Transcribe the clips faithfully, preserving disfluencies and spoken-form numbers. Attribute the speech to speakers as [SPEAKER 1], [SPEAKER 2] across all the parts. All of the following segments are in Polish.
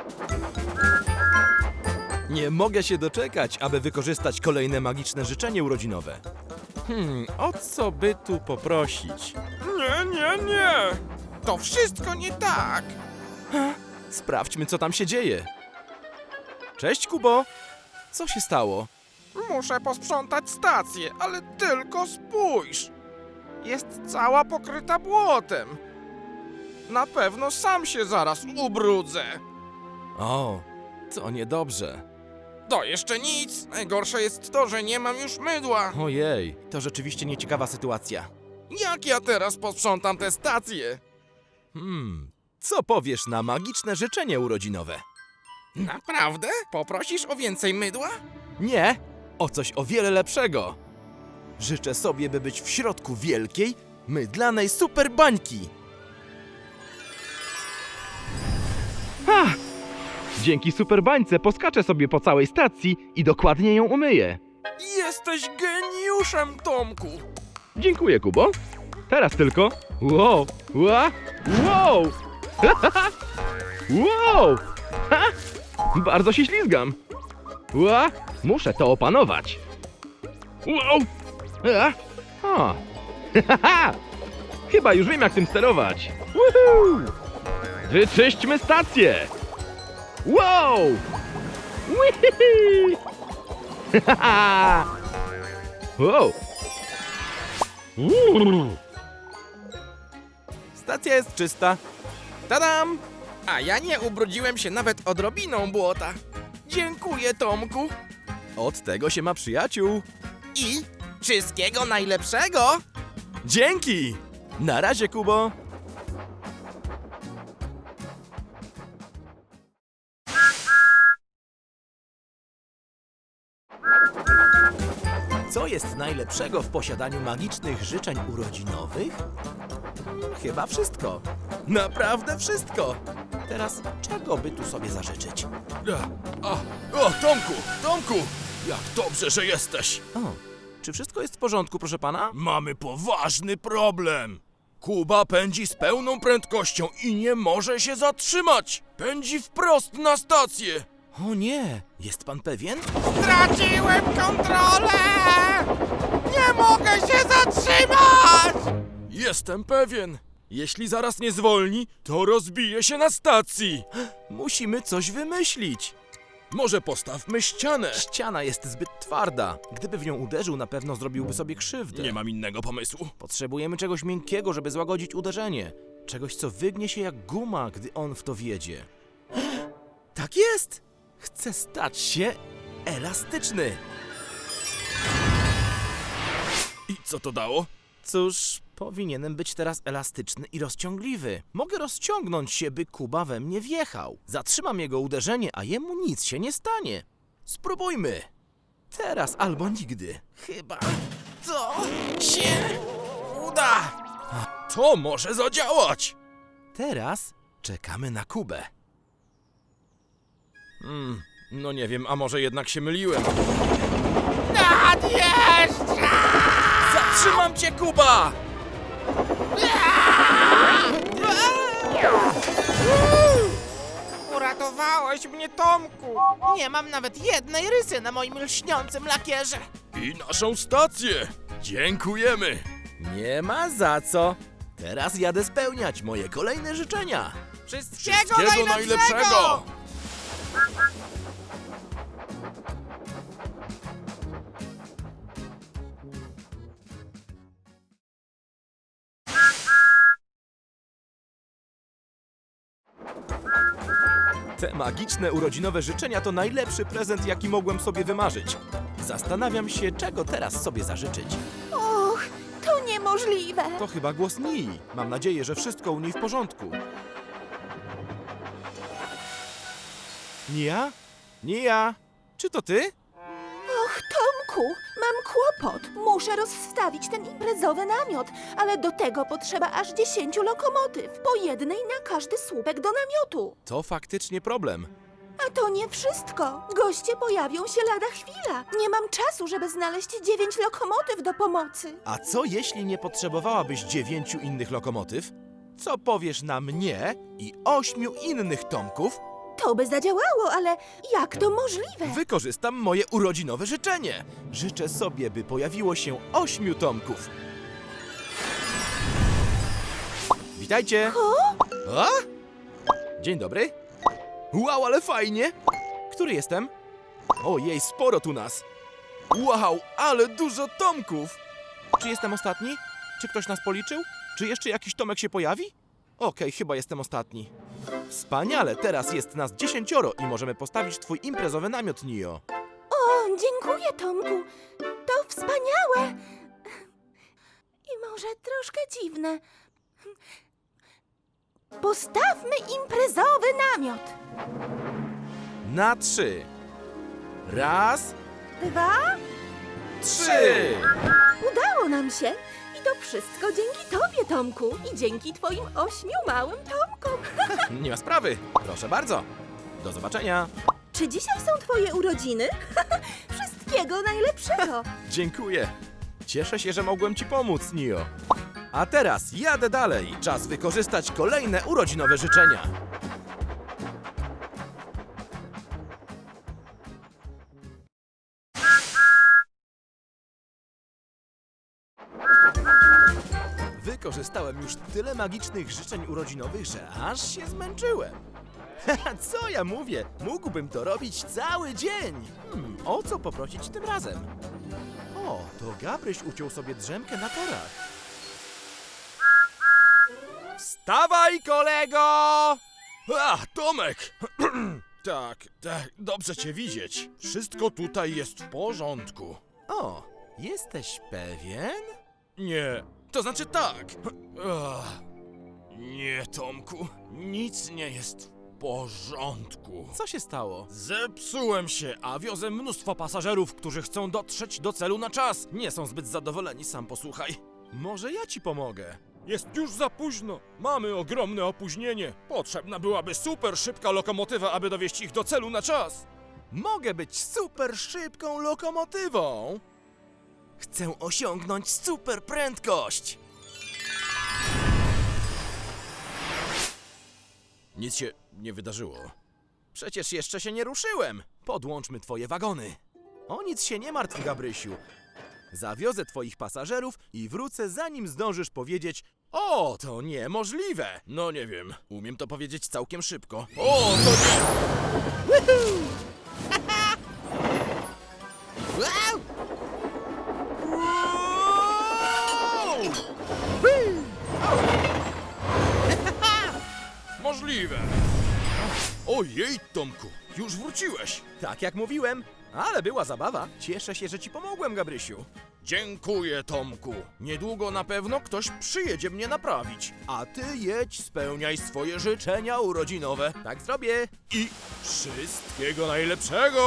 [SPEAKER 1] Nie mogę się doczekać, aby wykorzystać kolejne magiczne życzenie urodzinowe. Hmm, o co by tu poprosić?
[SPEAKER 2] Nie, nie, nie! To wszystko nie tak!
[SPEAKER 1] Sprawdźmy, co tam się dzieje. Cześć, Kubo. Co się stało?
[SPEAKER 2] Muszę posprzątać stację, ale tylko spójrz! Jest cała pokryta błotem. Na pewno sam się zaraz ubrudzę.
[SPEAKER 1] O, to niedobrze.
[SPEAKER 2] To jeszcze nic. Najgorsze jest to, że nie mam już mydła.
[SPEAKER 1] Ojej, to rzeczywiście nieciekawa sytuacja.
[SPEAKER 2] Jak ja teraz posprzątam tę stację?
[SPEAKER 1] Hmm, co powiesz na magiczne życzenie urodzinowe?
[SPEAKER 2] Naprawdę? Poprosisz o więcej mydła?
[SPEAKER 1] Nie, o coś o wiele lepszego. Życzę sobie, by być w środku wielkiej, mydlanej super bańki. Ha! Dzięki super bańce poskaczę sobie po całej stacji i dokładnie ją umyję.
[SPEAKER 2] Jesteś geniuszem, Tomku!
[SPEAKER 1] Dziękuję, Kubo. Teraz tylko. Wow! Ła! Wow! Wow! Ha! Bardzo się ślizgam. Ła! Muszę to opanować. Wow! A! Ha! Chyba już wiem, jak tym sterować. Woohoo! Wyczyśćmy stację! Wow! Wihihi! Wow! Stacja jest czysta.
[SPEAKER 2] Tadam! A ja nie ubrudziłem się nawet odrobiną błota. Dziękuję, Tomku.
[SPEAKER 1] Od tego się ma przyjaciół.
[SPEAKER 2] I wszystkiego najlepszego!
[SPEAKER 1] Dzięki! Na razie, Kubo. Co jest najlepszego w posiadaniu magicznych życzeń urodzinowych? Chyba wszystko. Naprawdę wszystko. Teraz czego by tu sobie zażyczyć?
[SPEAKER 2] A, o, Tomku, Tomku! Jak dobrze, że jesteś!
[SPEAKER 1] O, czy wszystko jest w porządku, proszę pana?
[SPEAKER 2] Mamy poważny problem. Kuba pędzi z pełną prędkością i nie może się zatrzymać. Pędzi wprost na stację.
[SPEAKER 1] O nie, jest pan pewien?
[SPEAKER 2] Straciłem kontrolę! Nie mogę się zatrzymać! Jestem pewien. Jeśli zaraz nie zwolni, to rozbije się na stacji.
[SPEAKER 1] Musimy coś wymyślić.
[SPEAKER 2] Może postawmy ścianę.
[SPEAKER 1] Ściana jest zbyt twarda. Gdyby w nią uderzył, na pewno zrobiłby sobie krzywdę.
[SPEAKER 2] Nie mam innego pomysłu.
[SPEAKER 1] Potrzebujemy czegoś miękkiego, żeby złagodzić uderzenie. Czegoś, co wygnie się jak guma, gdy on w to wjedzie. Tak jest! Chcę stać się elastyczny.
[SPEAKER 2] I co to dało?
[SPEAKER 1] Cóż, powinienem być teraz elastyczny i rozciągliwy. Mogę rozciągnąć się, by Kuba we mnie wjechał. Zatrzymam jego uderzenie, a jemu nic się nie stanie. Spróbujmy. Teraz albo nigdy.
[SPEAKER 2] Chyba to się uda. To może zadziałać.
[SPEAKER 1] Teraz czekamy na Kubę.
[SPEAKER 2] Hmm, no nie wiem, a może jednak się myliłem.
[SPEAKER 3] Nadjeżdża!
[SPEAKER 2] Zatrzymam cię, Kuba!
[SPEAKER 3] Uratowałeś mnie, Tomku! Nie mam nawet jednej rysy na moim lśniącym lakierze.
[SPEAKER 2] I naszą stację. Dziękujemy.
[SPEAKER 1] Nie ma za co. Teraz jadę spełniać moje kolejne życzenia.
[SPEAKER 3] Wszystkiego,
[SPEAKER 2] Wszystkiego
[SPEAKER 3] najlepszego!
[SPEAKER 2] najlepszego.
[SPEAKER 1] Te magiczne urodzinowe życzenia to najlepszy prezent, jaki mogłem sobie wymarzyć. Zastanawiam się, czego teraz sobie zażyczyć.
[SPEAKER 4] Och, to niemożliwe.
[SPEAKER 1] To chyba głos Nii. Mam nadzieję, że wszystko u niej w porządku. Nia? Nia? Czy to ty?
[SPEAKER 4] Och, Tomku, mam kłopot. Muszę rozstawić ten imprezowy namiot, ale do tego potrzeba aż dziesięciu lokomotyw, po jednej na każdy słupek do namiotu.
[SPEAKER 1] To faktycznie problem.
[SPEAKER 4] A to nie wszystko. Goście pojawią się lada chwila. Nie mam czasu, żeby znaleźć dziewięć lokomotyw do pomocy.
[SPEAKER 1] A co jeśli nie potrzebowałabyś dziewięciu innych lokomotyw? Co powiesz na mnie i ośmiu innych Tomków,
[SPEAKER 4] To by zadziałało, ale jak to możliwe?
[SPEAKER 1] Wykorzystam moje urodzinowe życzenie. Życzę sobie, by pojawiło się ośmiu Tomków. Witajcie! A? Dzień dobry. Wow, ale fajnie! Który jestem? Ojej, sporo tu nas. Wow, ale dużo Tomków! Czy jestem ostatni? Czy ktoś nas policzył? Czy jeszcze jakiś Tomek się pojawi? Okej, chyba jestem ostatni. Wspaniale, teraz jest nas dziesięcioro i możemy postawić twój imprezowy namiot, Nio.
[SPEAKER 4] O, dziękuję, Tomku. To wspaniałe. I może troszkę dziwne. Postawmy imprezowy namiot.
[SPEAKER 1] Na trzy. Raz,
[SPEAKER 4] Dwa.
[SPEAKER 1] trzy!
[SPEAKER 4] Udało nam się. I to wszystko dzięki tobie, Tomku. I dzięki twoim ośmiu małym Tomkom.
[SPEAKER 1] Nie ma sprawy. Proszę bardzo. Do zobaczenia.
[SPEAKER 4] Czy dzisiaj są twoje urodziny? Wszystkiego najlepszego.
[SPEAKER 1] Dziękuję. Cieszę się, że mogłem ci pomóc, Nio. A teraz jadę dalej. Czas wykorzystać kolejne urodzinowe życzenia. Wykorzystałem już tyle magicznych życzeń urodzinowych, że aż się zmęczyłem. Co ja mówię? Mógłbym to robić cały dzień. Hmm, o co poprosić tym razem? O, to Gabryś uciął sobie drzemkę na torach. Wstawaj, kolego!
[SPEAKER 2] A, Tomek! tak, tak, dobrze cię widzieć. Wszystko tutaj jest w porządku.
[SPEAKER 1] O, jesteś pewien?
[SPEAKER 2] Nie, to znaczy tak. Ach, nie, Tomku, nic nie jest w porządku.
[SPEAKER 1] Co się stało?
[SPEAKER 2] Zepsułem się, a wiozę mnóstwo pasażerów, którzy chcą dotrzeć do celu na czas.
[SPEAKER 1] Nie są zbyt zadowoleni, sam posłuchaj. Może ja ci pomogę?
[SPEAKER 2] Jest już za późno. Mamy ogromne opóźnienie. Potrzebna byłaby super szybka lokomotywa, aby dowieźć ich do celu na czas.
[SPEAKER 1] Mogę być super szybką lokomotywą. Chcę osiągnąć super prędkość.
[SPEAKER 2] Nic się nie wydarzyło.
[SPEAKER 1] Przecież jeszcze się nie ruszyłem. Podłączmy twoje wagony. O nic się nie martw, Gabrysiu. Zawiozę twoich pasażerów i wrócę, zanim zdążysz powiedzieć: o, to niemożliwe.
[SPEAKER 2] No nie wiem, umiem to powiedzieć całkiem szybko.
[SPEAKER 1] O, to nie... Wow! Wow!
[SPEAKER 2] Możliwe. Ojej, Tomku, już wróciłeś.
[SPEAKER 1] Tak jak mówiłem, ale była zabawa. Cieszę się, że ci pomogłem, Gabrysiu.
[SPEAKER 2] Dziękuję, Tomku. Niedługo na pewno ktoś przyjedzie mnie naprawić.
[SPEAKER 1] A ty jedź, spełniaj swoje życzenia urodzinowe. Tak zrobię.
[SPEAKER 2] I wszystkiego najlepszego!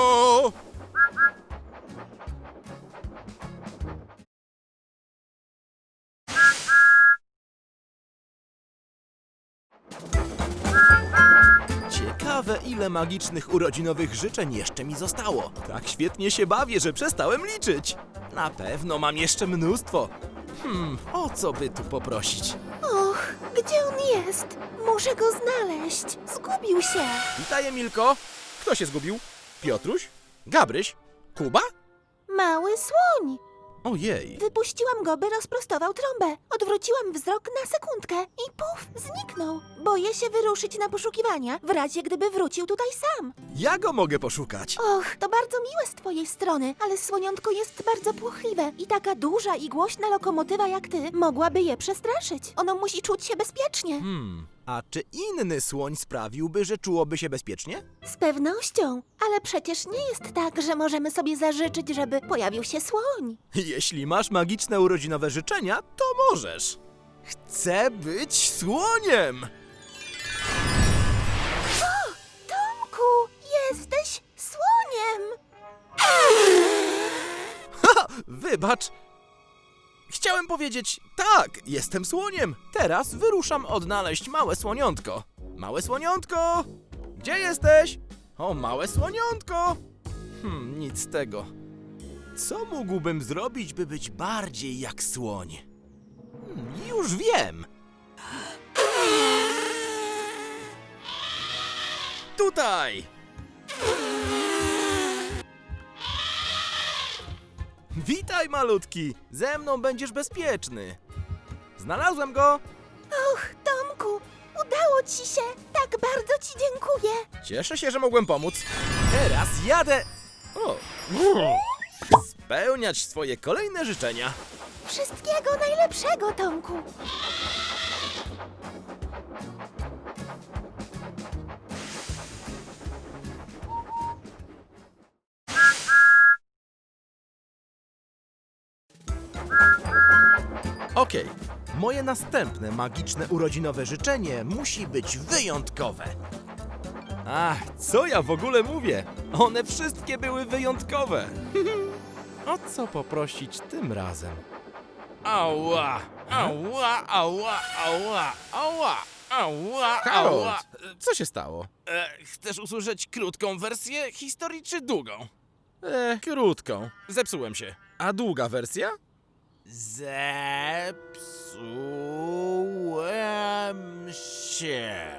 [SPEAKER 1] Ciekawe, ile magicznych urodzinowych życzeń jeszcze mi zostało. Tak świetnie się bawię, że przestałem liczyć. Na pewno mam jeszcze mnóstwo. Hmm, o co by tu poprosić?
[SPEAKER 4] Och, gdzie on jest? Muszę go znaleźć. Zgubił się.
[SPEAKER 1] Witaj, Emilko. Kto się zgubił? Piotruś? Gabryś? Kuba?
[SPEAKER 4] Mały słoń.
[SPEAKER 1] Ojej.
[SPEAKER 4] Wypuściłam go, by rozprostował trąbę. Odwróciłam wzrok na sekundkę i puf, zniknął. Boję się wyruszyć na poszukiwania, w razie gdyby wrócił tutaj sam.
[SPEAKER 1] Ja go mogę poszukać.
[SPEAKER 4] Och, to bardzo miłe z twojej strony, ale słoniątko jest bardzo płochliwe i taka duża i głośna lokomotywa jak ty mogłaby je przestraszyć. Ono musi czuć się bezpiecznie.
[SPEAKER 1] Hmm, a czy inny słoń sprawiłby, że czułoby się bezpiecznie?
[SPEAKER 4] Z pewnością, ale przecież nie jest tak, że możemy sobie zażyczyć, żeby pojawił się słoń.
[SPEAKER 1] Jeśli masz magiczne urodzinowe życzenia, to możesz. Chcę być słoniem!
[SPEAKER 4] Tomku, jesteś słoniem!
[SPEAKER 1] Wybacz. Chciałem powiedzieć, tak, jestem słoniem. Teraz wyruszam odnaleźć małe słoniątko. Małe słoniątko! Gdzie jesteś? O, małe słoniątko! Hmm, nic z tego. Co mógłbym zrobić, by być bardziej jak słoń? Hmm, już wiem! tutaj! Witaj, malutki! Ze mną będziesz bezpieczny. Znalazłem go!
[SPEAKER 4] Och, Tomku, udało ci się. Tak bardzo ci dziękuję.
[SPEAKER 1] Cieszę się, że mogłem pomóc. Teraz jadę... O! Spełniać swoje kolejne życzenia.
[SPEAKER 4] Wszystkiego najlepszego, Tomku.
[SPEAKER 1] Okej, moje następne magiczne urodzinowe życzenie musi być wyjątkowe. Ach, co ja w ogóle mówię? One wszystkie były wyjątkowe. O co poprosić tym razem?
[SPEAKER 2] Ała, ała, ała, ała, ała, ała,
[SPEAKER 1] Harold,
[SPEAKER 2] ała.
[SPEAKER 1] co się stało?
[SPEAKER 2] E, chcesz usłyszeć krótką wersję historii czy długą?
[SPEAKER 1] E, krótką.
[SPEAKER 2] Zepsułem się.
[SPEAKER 1] A długa wersja?
[SPEAKER 2] Zepsułem się.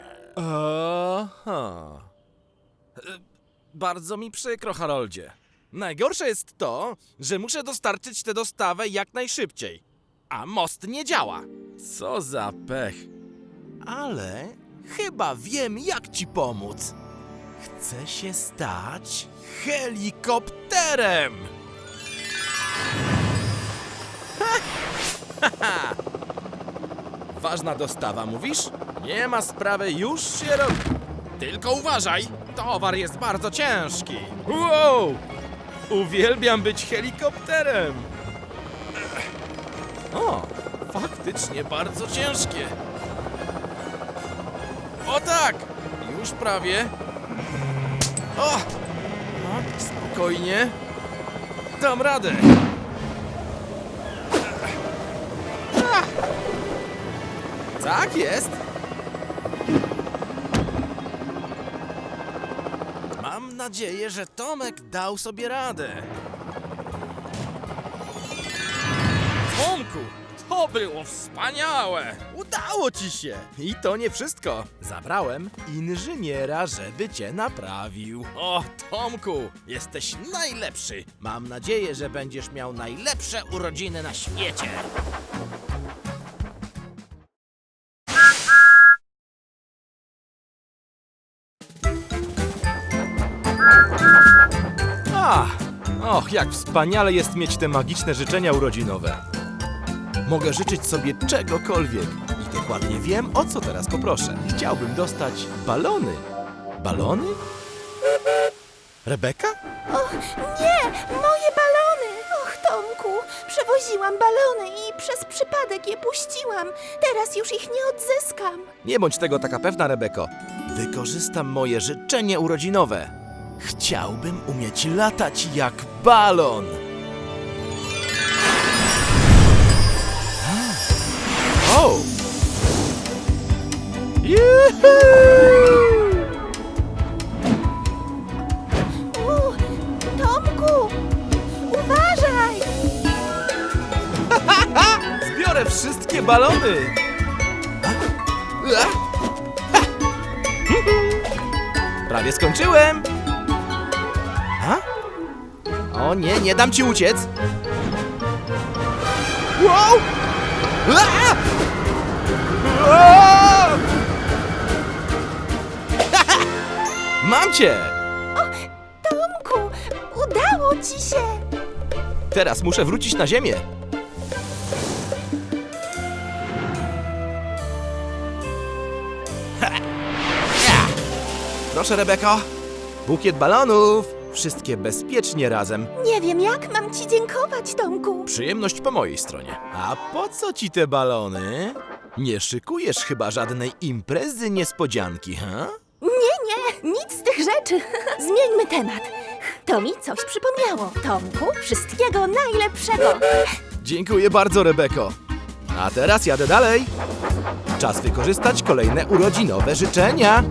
[SPEAKER 1] Aha.
[SPEAKER 2] E, Bardzo mi przykro, Haroldzie. Najgorsze jest to, że muszę dostarczyć tę dostawę jak najszybciej. A most nie działa.
[SPEAKER 1] Co za pech.
[SPEAKER 2] Ale chyba wiem, jak ci pomóc. Chcę się stać helikopterem!
[SPEAKER 1] Ważna dostawa, mówisz? Nie ma sprawy, już się robi.
[SPEAKER 2] Tylko uważaj, towar jest bardzo ciężki.
[SPEAKER 1] Wow! Uwielbiam być helikopterem.
[SPEAKER 2] O, faktycznie bardzo ciężkie. O tak, już prawie. O, no, spokojnie. Dam radę.
[SPEAKER 1] Tak jest.
[SPEAKER 2] Mam nadzieję, że Tomek dał sobie radę. Tomku, to było wspaniałe!
[SPEAKER 1] Udało ci się. I to nie wszystko. Zabrałem inżyniera, żeby cię naprawił.
[SPEAKER 2] O, Tomku, jesteś najlepszy!
[SPEAKER 1] Mam nadzieję, że będziesz miał
[SPEAKER 2] Najlepsze urodziny na świecie!
[SPEAKER 1] Ach, och, jak wspaniale jest mieć te magiczne życzenia urodzinowe. Mogę życzyć sobie czegokolwiek i dokładnie wiem, o co teraz poproszę. Chciałbym dostać balony. Balony? Rebeka?
[SPEAKER 4] Och, nie! Moje balony! Och, Tomku, przewoziłam balony i przez przypadek je puściłam. Teraz już ich nie odzyskam.
[SPEAKER 1] Nie bądź tego taka pewna, Rebeko. Wykorzystam moje życzenie urodzinowe. Chciałbym umieć latać jak balon. O! Juhu!
[SPEAKER 4] U, Tomku, uważaj!
[SPEAKER 1] Zbiorę wszystkie balony! Prawie skończyłem! Ha? O nie, nie dam ci uciec! Wow! A! A! Mam cię!
[SPEAKER 4] Tomku, udało ci się!
[SPEAKER 1] Teraz muszę wrócić na ziemię. Ha! Ja! Proszę, Rebeko. Bukiet balonów. Wszystkie bezpiecznie razem.
[SPEAKER 4] Nie wiem, jak mam ci dziękować, Tomku.
[SPEAKER 1] Przyjemność po mojej stronie. A po co ci te balony? Nie szykujesz chyba żadnej imprezy niespodzianki, ha?
[SPEAKER 4] Nie, nie, nic z tych rzeczy. Zmieńmy temat. To mi coś przypomniało. Tomku, wszystkiego najlepszego.
[SPEAKER 1] Dziękuję bardzo, Rebeko. A teraz jadę dalej. Czas wykorzystać kolejne urodzinowe życzenia.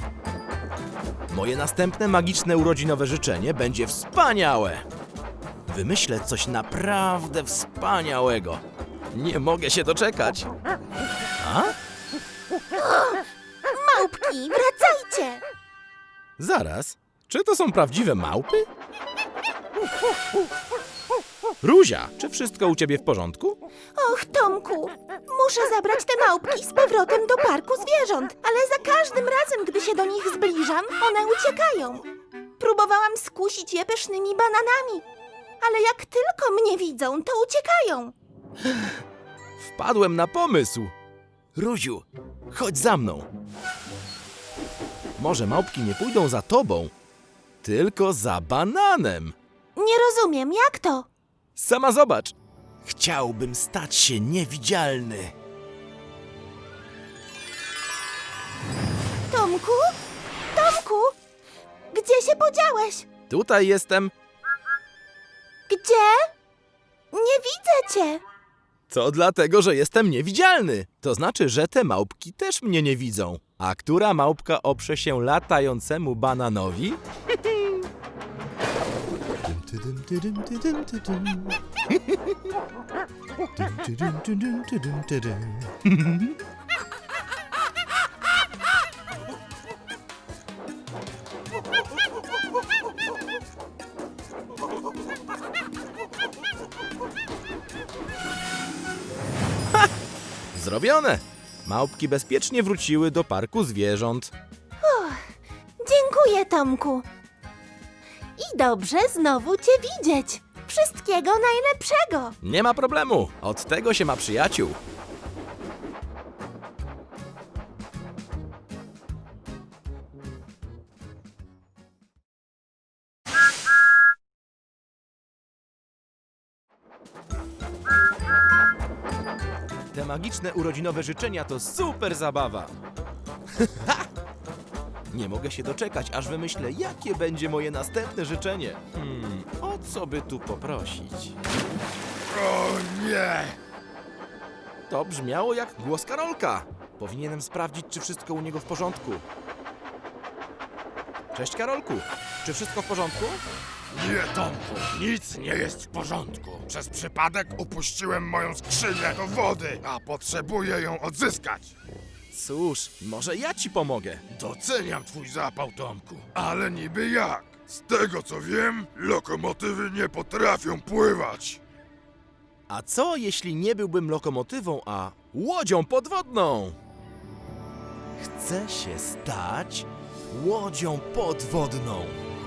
[SPEAKER 1] Moje następne magiczne urodzinowe życzenie będzie wspaniałe. Wymyślę coś naprawdę wspaniałego. Nie mogę się doczekać. A?
[SPEAKER 4] Małpki, wracajcie!
[SPEAKER 1] Zaraz. Czy to są prawdziwe małpy? Ruzia, czy wszystko u ciebie w porządku?
[SPEAKER 4] Och, Tomku, muszę zabrać te małpki z powrotem do parku zwierząt, ale za każdym razem, gdy się do nich zbliżam, one uciekają. Próbowałam skusić je pysznymi bananami, ale jak tylko mnie widzą, to uciekają.
[SPEAKER 1] Wpadłem na pomysł. Ruziu, chodź za mną. Może małpki nie pójdą za tobą, tylko za bananem.
[SPEAKER 4] Nie rozumiem, jak to?
[SPEAKER 1] Sama zobacz. Chciałbym stać się niewidzialny.
[SPEAKER 4] Tomku? Tomku? Gdzie się podziałeś?
[SPEAKER 1] Tutaj jestem.
[SPEAKER 4] Gdzie? Nie widzę cię.
[SPEAKER 1] To dlatego, że jestem niewidzialny. To znaczy, że te małpki też mnie nie widzą. A która małpka oprze się latającemu bananowi? Zrobione! Małpki bezpiecznie wróciły do parku zwierząt.
[SPEAKER 4] Dziękuję, Tomku. I dobrze znowu cię widzieć. Wszystkiego najlepszego.
[SPEAKER 1] Nie ma problemu, od tego się ma przyjaciół. Te magiczne urodzinowe życzenia to super zabawa. Nie mogę się doczekać, aż wymyślę, jakie będzie moje następne życzenie. Hmm, o co by tu poprosić?
[SPEAKER 2] O nie!
[SPEAKER 1] To brzmiało jak głos Karolka. Powinienem sprawdzić, czy wszystko u niego w porządku. Cześć, Karolku. Czy wszystko w porządku?
[SPEAKER 2] Nie, Tomku, nic nie jest w porządku. Przez przypadek upuściłem moją skrzynię do wody, a potrzebuję ją odzyskać.
[SPEAKER 1] Cóż, może ja ci pomogę.
[SPEAKER 2] Doceniam twój zapał, Tomku, ale niby jak? Z tego co wiem, lokomotywy nie potrafią pływać.
[SPEAKER 1] A co, jeśli nie byłbym lokomotywą, a łodzią podwodną? Chcę się stać łodzią podwodną.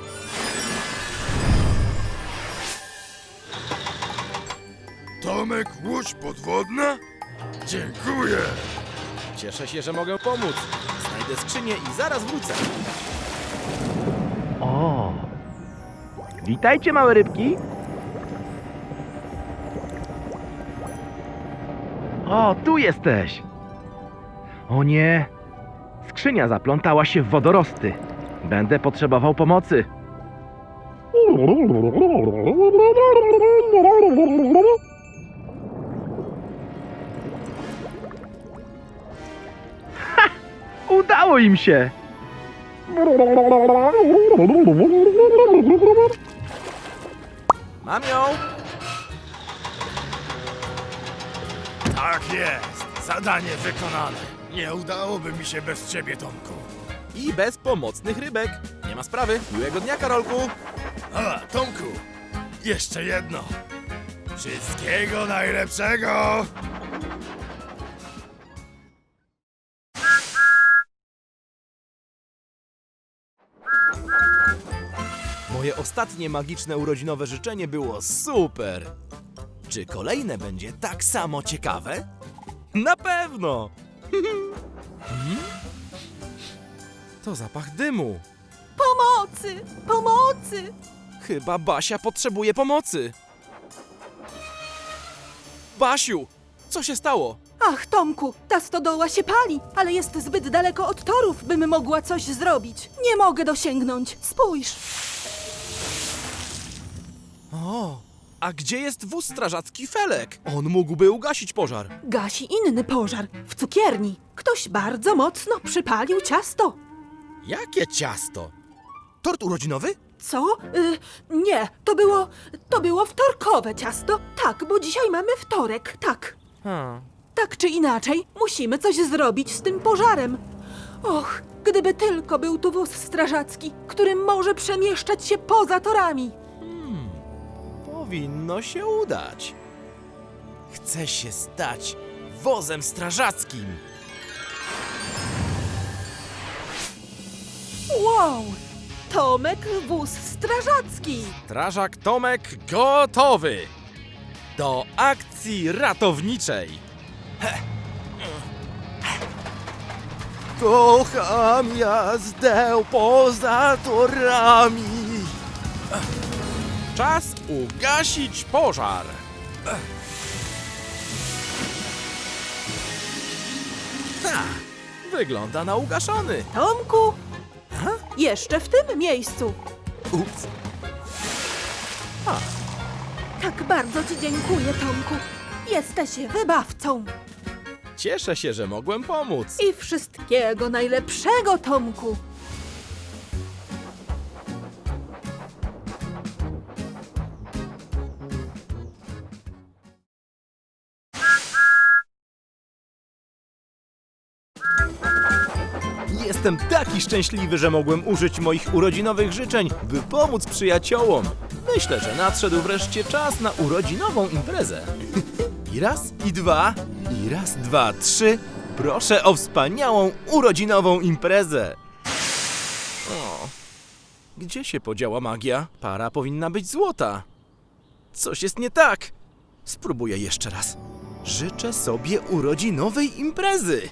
[SPEAKER 2] Tomek, łódź podwodna? Dziękuję.
[SPEAKER 1] Cieszę się, że mogę pomóc. Znajdę skrzynię i zaraz wrócę.
[SPEAKER 5] O! Witajcie, małe rybki! O, tu jesteś! O nie! Skrzynia zaplątała się w wodorosty. Będę potrzebował pomocy. Ha! Udało im się!
[SPEAKER 1] Mam ją!
[SPEAKER 2] Tak jest, zadanie wykonane. Nie udałoby mi się bez ciebie, Tomku.
[SPEAKER 1] I bez pomocnych rybek. Nie ma sprawy. Miłego dnia, Karolku.
[SPEAKER 2] A, Tomku, jeszcze jedno. Wszystkiego najlepszego!
[SPEAKER 1] Moje ostatnie magiczne urodzinowe życzenie było super. Czy kolejne będzie tak samo ciekawe? Na pewno! Hmm? To zapach dymu.
[SPEAKER 4] Pomocy! Pomocy!
[SPEAKER 1] Chyba Basia potrzebuje pomocy. Basiu, co się stało?
[SPEAKER 6] Ach, Tomku, ta stodoła się pali, ale jest zbyt daleko od torów, bym mogła coś zrobić. Nie mogę dosięgnąć. Spójrz.
[SPEAKER 1] O, a gdzie jest wóz strażacki Felek? On mógłby ugasić pożar.
[SPEAKER 6] Gasi inny pożar w cukierni. Ktoś bardzo mocno przypalił ciasto.
[SPEAKER 1] Jakie ciasto? Tort urodzinowy?
[SPEAKER 6] Co? Y, nie, to było To było wtorkowe ciasto. Tak, bo dzisiaj mamy wtorek. Tak.
[SPEAKER 3] Hmm.
[SPEAKER 6] Tak czy inaczej, musimy coś zrobić z tym pożarem. Och, gdyby tylko był tu wóz strażacki, który może przemieszczać się poza torami.
[SPEAKER 1] Powinno się udać. Chcę się stać wozem strażackim.
[SPEAKER 6] Wow! Tomek wóz strażacki!
[SPEAKER 1] Strażak Tomek gotowy do akcji ratowniczej. Kocham jazdę poza torami. Czas ugasić pożar. Ha! Wygląda na ugaszony.
[SPEAKER 6] Tomku! Jeszcze w tym miejscu.
[SPEAKER 1] Ups.
[SPEAKER 6] Tak bardzo ci dziękuję, Tomku. Jesteś wybawcą.
[SPEAKER 1] Cieszę się, że mogłem pomóc.
[SPEAKER 6] I wszystkiego najlepszego, Tomku.
[SPEAKER 1] Jestem taki szczęśliwy, że mogłem użyć moich urodzinowych życzeń, by pomóc przyjaciołom. Myślę, że nadszedł wreszcie czas na urodzinową imprezę. I raz, i dwa, i raz, dwa, trzy. Proszę o wspaniałą urodzinową imprezę. O, gdzie się podziała magia? Para powinna być złota. Coś jest nie tak. Spróbuję jeszcze raz. Życzę sobie urodzinowej imprezy.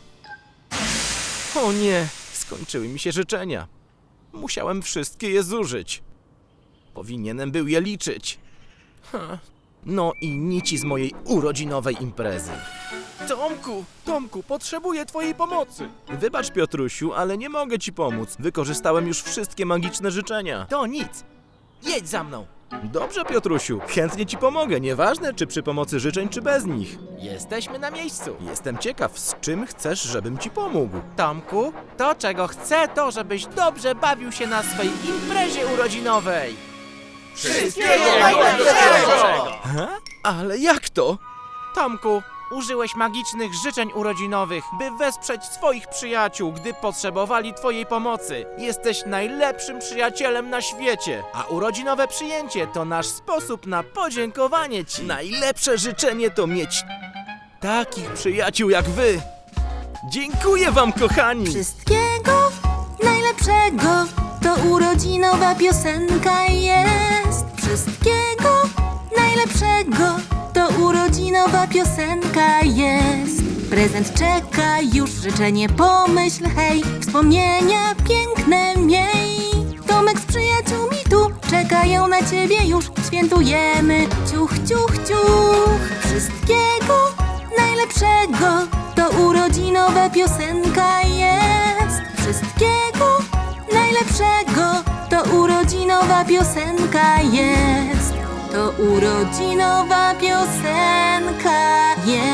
[SPEAKER 1] O nie, skończyły mi się życzenia. Musiałem wszystkie je zużyć. Powinienem był je liczyć. Ha. No i nici z mojej urodzinowej imprezy. Tomku, Tomku, potrzebuję twojej pomocy. Wybacz, Piotrusiu, ale nie mogę ci pomóc. Wykorzystałem już wszystkie magiczne życzenia.
[SPEAKER 3] To nic. Jedź za mną.
[SPEAKER 1] Dobrze, Piotrusiu, chętnie ci pomogę, nieważne czy przy pomocy życzeń, czy bez nich.
[SPEAKER 3] Jesteśmy na miejscu.
[SPEAKER 1] Jestem ciekaw, z czym chcesz, żebym ci pomógł.
[SPEAKER 3] Tomku, to czego chcę, to żebyś dobrze bawił się na swej imprezie urodzinowej. Wszystkiego
[SPEAKER 1] najlepszego! Ha? Ale jak to?
[SPEAKER 3] Tomku, użyłeś magicznych życzeń urodzinowych, by wesprzeć swoich przyjaciół, gdy potrzebowali twojej pomocy. Jesteś najlepszym przyjacielem na świecie, a urodzinowe przyjęcie to nasz sposób na podziękowanie ci.
[SPEAKER 1] Najlepsze życzenie to mieć takich przyjaciół jak wy. Dziękuję wam, kochani!
[SPEAKER 4] Wszystkiego najlepszego, to urodzinowa piosenka jest. Wszystkiego najlepszego, to urodzinowa piosenka jest. Prezent czeka już, życzenie pomyśl, hej. Wspomnienia piękne miej. Tomek z przyjaciółmi tu czekają na ciebie już. Świętujemy, ciuch, ciuch, ciuch. Wszystkiego najlepszego, to urodzinowa piosenka jest. Wszystkiego najlepszego, to urodzinowa piosenka jest. To urodzinowa piosenka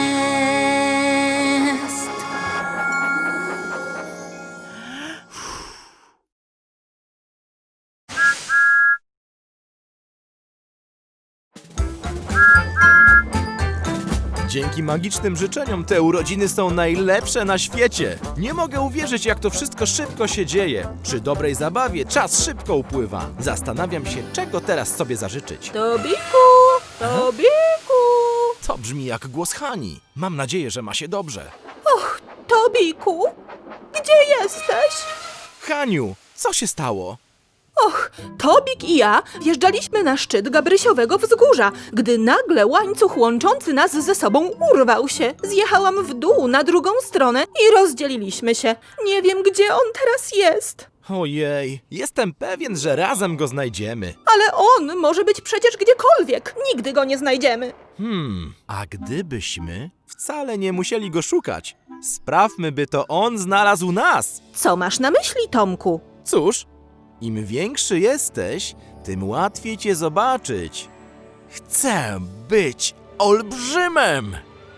[SPEAKER 4] jest.
[SPEAKER 1] Dzięki magicznym życzeniom te urodziny są najlepsze na świecie. Nie mogę uwierzyć, jak to wszystko szybko się dzieje. Przy dobrej zabawie czas szybko upływa. Zastanawiam się, czego teraz sobie zażyczyć.
[SPEAKER 6] Tobiku! Tobiku!
[SPEAKER 1] To brzmi jak głos Hani. Mam nadzieję, że ma się dobrze.
[SPEAKER 6] Och, Tobiku! Gdzie jesteś?
[SPEAKER 1] Haniu, co się stało?
[SPEAKER 6] Och, Tobik i ja wjeżdżaliśmy na szczyt Gabrysiowego Wzgórza, gdy nagle łańcuch łączący nas ze sobą urwał się. Zjechałam w dół na drugą stronę i rozdzieliliśmy się. Nie wiem, gdzie on teraz jest.
[SPEAKER 1] Ojej, jestem pewien, że razem go znajdziemy.
[SPEAKER 6] Ale on może być przecież gdziekolwiek. Nigdy go nie znajdziemy.
[SPEAKER 1] Hmm, a gdybyśmy wcale nie musieli go szukać, sprawmy, by to on znalazł nas.
[SPEAKER 6] Co masz na myśli, Tomku?
[SPEAKER 1] Cóż, im większy jesteś, tym łatwiej cię zobaczyć. Chcę być olbrzymem!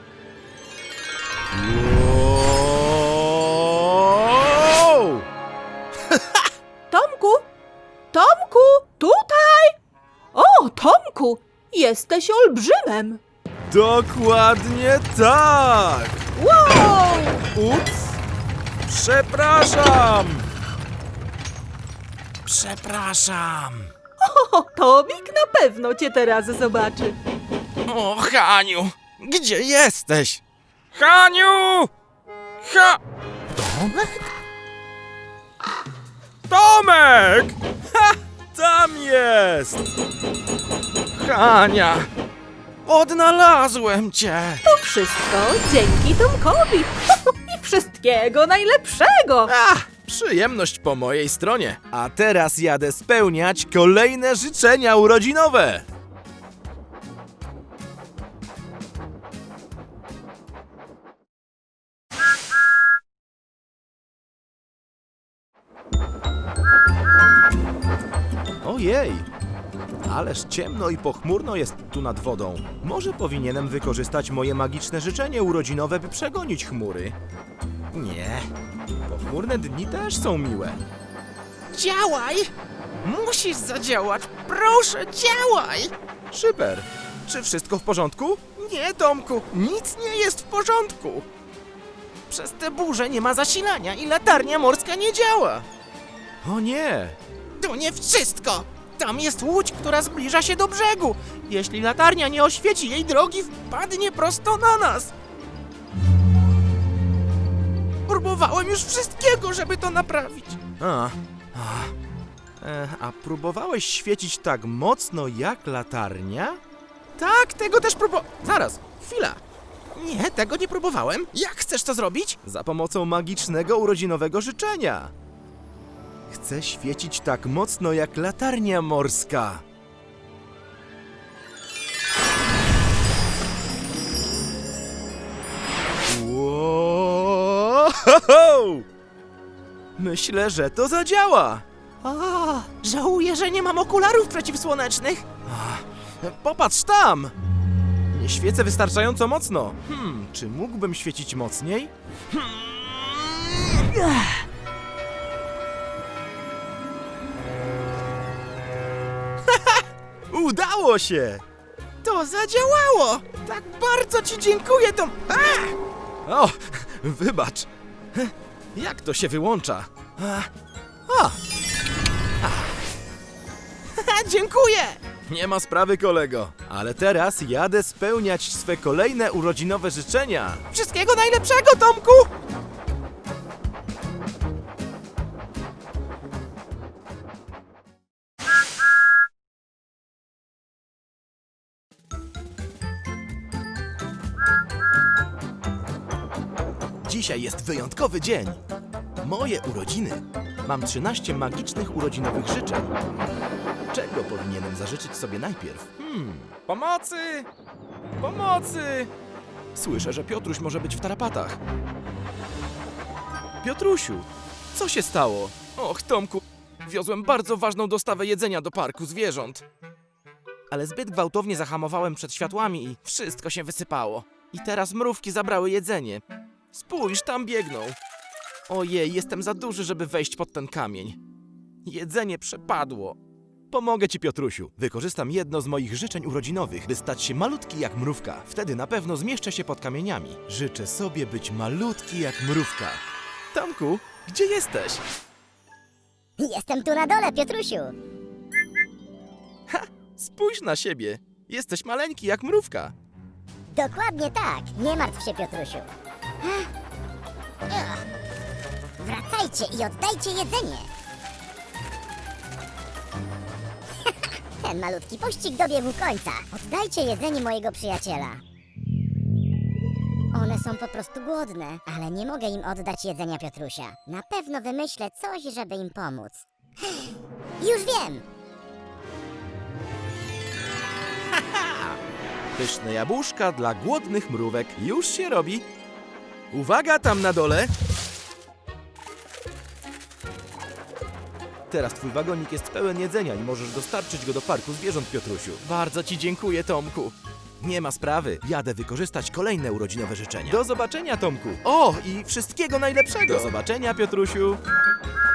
[SPEAKER 1] Wow!
[SPEAKER 6] Tomku? Tomku? Tutaj? O, Tomku! Jesteś olbrzymem.
[SPEAKER 2] Dokładnie tak!
[SPEAKER 6] Wow!
[SPEAKER 2] Ups! Przepraszam!
[SPEAKER 1] Przepraszam.
[SPEAKER 6] O, Tobik na pewno cię teraz zobaczy.
[SPEAKER 1] O, Haniu, gdzie jesteś?
[SPEAKER 2] Haniu! Ha! Tomek! Ha! Tam jest!
[SPEAKER 1] Hania, odnalazłem cię.
[SPEAKER 6] To wszystko dzięki Tomkowi. I wszystkiego najlepszego.
[SPEAKER 1] Ach, przyjemność po mojej stronie. A teraz jadę spełniać kolejne życzenia urodzinowe. Ojej, ależ ciemno i pochmurno jest tu nad wodą. Może powinienem wykorzystać moje magiczne życzenie urodzinowe, by przegonić chmury. Nie, pochmurne dni też są miłe. Działaj! Musisz zadziałać! Proszę, działaj! Szyper, czy wszystko w porządku? Nie, Tomku, nic nie jest w porządku. Przez tę burzę nie ma zasilania i latarnia morska nie działa. O nie! To nie wszystko! Tam jest łódź, która zbliża się do brzegu. Jeśli latarnia nie oświeci jej drogi, wpadnie prosto na nas. Próbowałem już wszystkiego, żeby to naprawić. A, a, e, a próbowałeś świecić tak mocno jak latarnia? Tak, tego też próbo... Zaraz, chwila. Nie, tego nie próbowałem. Jak chcesz to zrobić? Za pomocą magicznego urodzinowego życzenia. Chcę świecić tak mocno jak latarnia morska. Wow! Myślę, że to zadziała. O, żałuję, że nie mam okularów przeciwsłonecznych. A, popatrz tam! Nie świecę wystarczająco mocno. Hmm, czy mógłbym świecić mocniej? Hmm. Udało się! To zadziałało! Tak bardzo ci dziękuję, Tom... A! O, wybacz. Jak to się wyłącza? A! O! A! Dziękuję! Nie ma sprawy, kolego. Ale teraz jadę spełniać swe kolejne urodzinowe życzenia. Wszystkiego najlepszego, Tomku! Dzisiaj jest wyjątkowy dzień. Moje urodziny. Mam trzynaście magicznych urodzinowych życzeń. Czego powinienem zażyczyć sobie najpierw? Hmm, pomocy! Pomocy! Słyszę, że Piotruś może być w tarapatach. Piotrusiu, co się stało? Och, Tomku, wiozłem bardzo ważną dostawę jedzenia do parku zwierząt. Ale zbyt gwałtownie zahamowałem przed światłami i wszystko się wysypało. I teraz mrówki zabrały jedzenie. Spójrz, tam biegną. Ojej, jestem za duży, żeby wejść pod ten kamień. Jedzenie przepadło. Pomogę ci, Piotrusiu. Wykorzystam jedno z moich życzeń urodzinowych, by stać się malutki jak mrówka. Wtedy na pewno zmieszczę się pod kamieniami. Życzę sobie być malutki jak mrówka. Tomku, gdzie jesteś?
[SPEAKER 7] Jestem tu na dole, Piotrusiu.
[SPEAKER 1] Ha! Spójrz na siebie. Jesteś maleńki jak mrówka.
[SPEAKER 7] Dokładnie tak. Nie martw się, Piotrusiu. Ugh. Wracajcie i oddajcie jedzenie. Ten malutki pościg dobiegł końca. Oddajcie jedzenie mojego przyjaciela. One są po prostu głodne, ale nie mogę im oddać jedzenia Piotrusia. Na pewno wymyślę coś, żeby im pomóc. Już wiem!
[SPEAKER 1] Pyszne jabłuszka dla głodnych mrówek. Już się robi. Uwaga tam na dole. Teraz twój wagonik jest pełen jedzenia i możesz dostarczyć go do parku zwierząt, Piotrusiu. Bardzo ci dziękuję, Tomku. Nie ma sprawy. Jadę wykorzystać kolejne urodzinowe życzenia. Do zobaczenia, Tomku. O, i wszystkiego najlepszego. Do zobaczenia, Piotrusiu.